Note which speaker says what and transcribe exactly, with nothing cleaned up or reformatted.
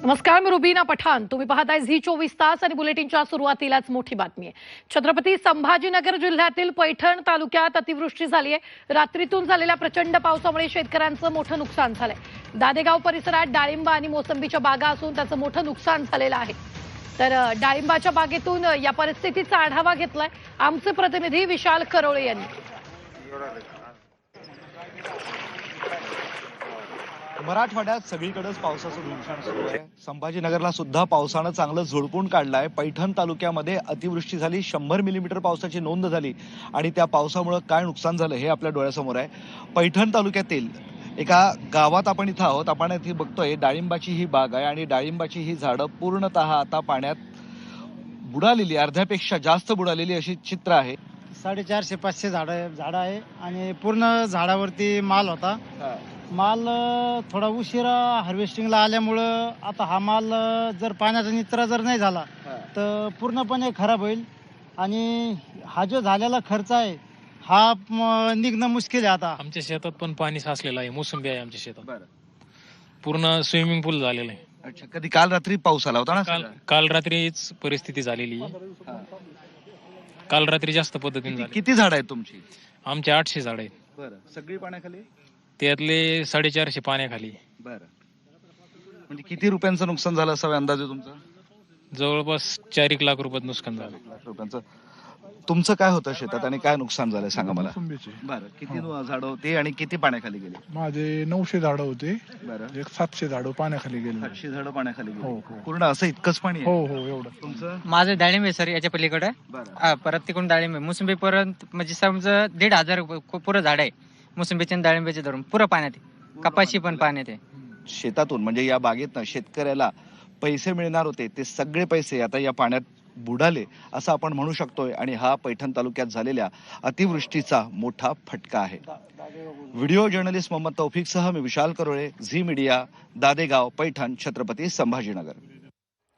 Speaker 1: नमस्कार, मी रुबीना पठाण. तुम्ही पाहताय झी चोवीस तास आणि बुलेटिनच्या सुरुवातीलाच मोठी बातमी आहे. छत्रपती संभाजीनगर जिल्ह्यातील पैठण तालुक्यात अतिवृष्टी झाली आहे. रात्रीतून झालेल्या प्रचंड पावसामुळे शेतकऱ्यांचं मोठं नुकसान झालंय. दादेगाव परिसरात डाळिंब आणि मोसंबीच्या बागा असून त्याचं मोठं नुकसान झालेलं आहे. तर डाळिंबाच्या बागेतून या परिस्थितीचा आढावा घेतलाय आमचे प्रतिनिधी विशाल करोळे यांनी.
Speaker 2: मराठवाड्यात सगळीकडेच पावसाचं धुमशान सुरू आहे. संभाजीनगरला सुद्धा पावसानं चांगलं झोडपून काढलंय. पैठण तालुक्यामध्ये अतिवृष्टी झाली, शंभर मिलीमीटर पावसाची नोंद झाली आणि त्या पावसामुळे काय नुकसान झालं हे आपल्या डोळ्यासमोर आहे. पैठण तालुक्यातील एका गावात आपण इथं आहोत. आपण इथे बघतोय डाळिंबाची ही बाग आहे आणि डाळिंबाची ही झाडं पूर्णतः आता पाण्यात बुडालेली, अर्ध्यापेक्षा जास्त बुडालेली अशी चित्र आहे.
Speaker 3: साडेचारशे पाचशे झाडं झाडं आहे आणि पूर्ण झाडावरती माल होता. माल थोडा उशिरा हार्वेस्टिंगला आल्यामुळं आता हा माल जर पाण्याचा निचरा जर नाही झाला तर पूर्णपणे खराब होईल आणि हा जो झालेला खर्च आहे हा निघणं मुश्किल आहे. आता
Speaker 4: आमच्या शेतात पण पाणी साचलेलं आहे. मोसंबी आहे आमच्या शेतात, पूर्ण स्विमिंग पूल झालेलं आहे.
Speaker 2: अच्छा, कधी काल रात्री पाऊस आला होता ना?
Speaker 4: काल काल रात्रीच परिस्थिती झालेली आहे. काल रात्री जास्त पद्धतीने झाली.
Speaker 2: किती झाड आहेत तुमची?
Speaker 4: आमचे आठशे झाड आहेत.
Speaker 2: बरं, सगळी पाण्याखाली?
Speaker 4: त्यातले साडेचारशे पाण्याखाली.
Speaker 2: बरं, म्हणजे किती रुपयांचं नुकसान झालं असावे अंदाजे तुमचा?
Speaker 4: जवळपास चार एक लाख रुपयात नुकसान झालं.
Speaker 2: लाख रुपयांचं. तुमचं काय होतं शेतात आणि काय नुकसान झालं सांगा मला.
Speaker 5: मोसंबीचे
Speaker 2: बरं, किती झाडं होती आणि किती पाण्याखाली गेले?
Speaker 5: माझे नऊशे झाडं होते,
Speaker 2: बरं,
Speaker 5: एक सातशे झाडं पाण्याखाली गेले.
Speaker 2: सातशे झाडं पाण्याखाली
Speaker 5: हो,
Speaker 2: गेली.
Speaker 5: हो.
Speaker 2: पूर्ण असं इतकंच पाणी आहे?
Speaker 5: हो हो एवढं.
Speaker 2: तुमचं?
Speaker 6: माझं डाळिंब आहे सर, याच्या पलीकडे.
Speaker 2: बरं,
Speaker 6: हा, परत तिकडून डाळिंब आहे. मोसंबी पर्यंत म्हणजे समजा दीड हजार पुरं झाड आहे. मोसंबीचे आणि डाळिंबाचे धरून पुरं पाण्यात आहे. कपाशी पण पाण्यात आहे.
Speaker 2: शेतातून म्हणजे या बागेतनं शेतकऱ्याला पैसे मिळणार होते ते सगळे पैसे आता या पाण्यात बुडाले असं आपण म्हणू शकतोय. आणि हा पैठण तालुक्यात झालेल्या अतिवृष्टीचा मोठा फटका आहे. व्हिडिओ जर्नलिस्ट मोहम्मद तौफिकसह मी विशाल करोळे, झी मीडिया, दादेगाव, पैठण, छत्रपती संभाजीनगर.